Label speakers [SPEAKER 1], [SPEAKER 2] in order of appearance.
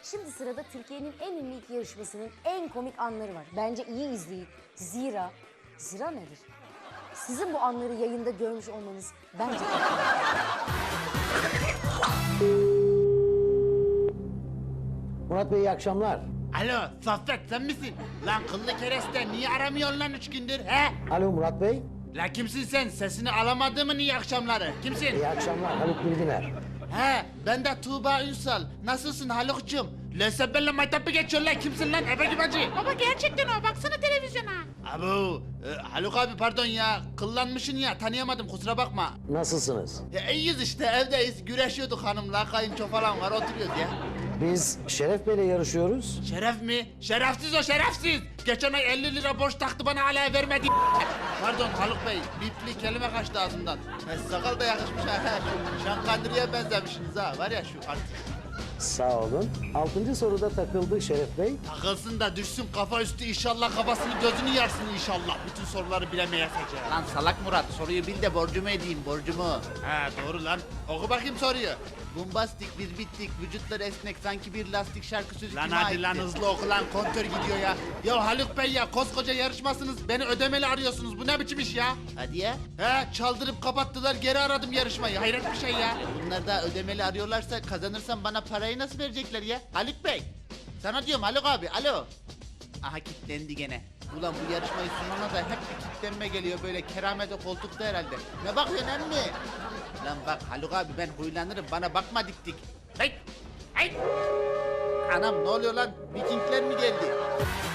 [SPEAKER 1] Şimdi sırada Türkiye'nin en ünlü iki yarışmasının en komik anları var. Bence iyi izleyin. Zira nedir? Sizin bu anları yayında görmüş olmanız bence çok
[SPEAKER 2] Murat Bey iyi akşamlar.
[SPEAKER 3] Alo Saffet sen misin? Lan kıllı kereste niye aramıyorsun lan 3 gündür he?
[SPEAKER 2] Alo Murat Bey.
[SPEAKER 3] La kimsin sen? Sesini alamadığımın iyi akşamları. Kimsin?
[SPEAKER 2] İyi akşamlar Haluk Bilginer.
[SPEAKER 3] He ben de Tuğba Ünsal. Nasılsın Haluk'cum? Lösebbenle maytapı geçiyor lan. Kimsin lan ebe gibi acı?
[SPEAKER 4] Baba gerçekten o, baksana televizyona.
[SPEAKER 3] Abu Haluk abi pardon ya. Kıllanmışsın ya tanıyamadım kusura bakma.
[SPEAKER 2] Nasılsınız?
[SPEAKER 3] Ya iyiyiz işte evdeyiz. Güreşiyorduk hanımla. Kayınço falan var oturuyoruz ya.
[SPEAKER 2] Biz Şeref Bey'le yarışıyoruz.
[SPEAKER 3] Şeref mi? Şerefsiz o şerefsiz. Geçen ay 50 lira borç taktı bana hala vermedi. Pardon Haluk Bey, bipli kelime kaçtı ağzımdan. Sakal da yakışmış ha. Şu Şankandırı'ya benzemişsiniz ha. Var ya şu artık.
[SPEAKER 2] Sağ olun. 6. soruda takıldı Şeref Bey.
[SPEAKER 3] Takılsın da düşsün kafa üstü inşallah kafasını gözünü yarsın inşallah. Bütün soruları bilemeyecek. Lan salak Murat soruyu bil de borcumu edeyim borcumu. Ha doğru lan. Oku bakayım soruyu. Bombastik biz bittik vücutlar esnek sanki bir lastik şarkı sözü lan kime hadi aitti? Lan hızlı oku lan kontör gidiyor ya. Ya Haluk Bey ya koskoca yarışmasınız beni ödemeli arıyorsunuz bu ne biçim iş ya? Hadi ya. He çaldırıp kapattılar geri aradım yarışmayı hayret bir şey ya. Bunlar da ödemeli arıyorlarsa kazanırsam bana parayı nasıl verecekler ya? Haluk Bey. Sana diyorum Haluk abi alo. Aha kilitlendi gene. Ulan bu yarışmayı sunana da hep bir kilitlenme geliyor böyle keramete koltukta herhalde. Ne bakıyorsun emmi? Lan bak Haluk abi ben huylanırım bana bakma dik dik. Hey! Hey! Anam ne oluyor lan? Vikingler mi geldi?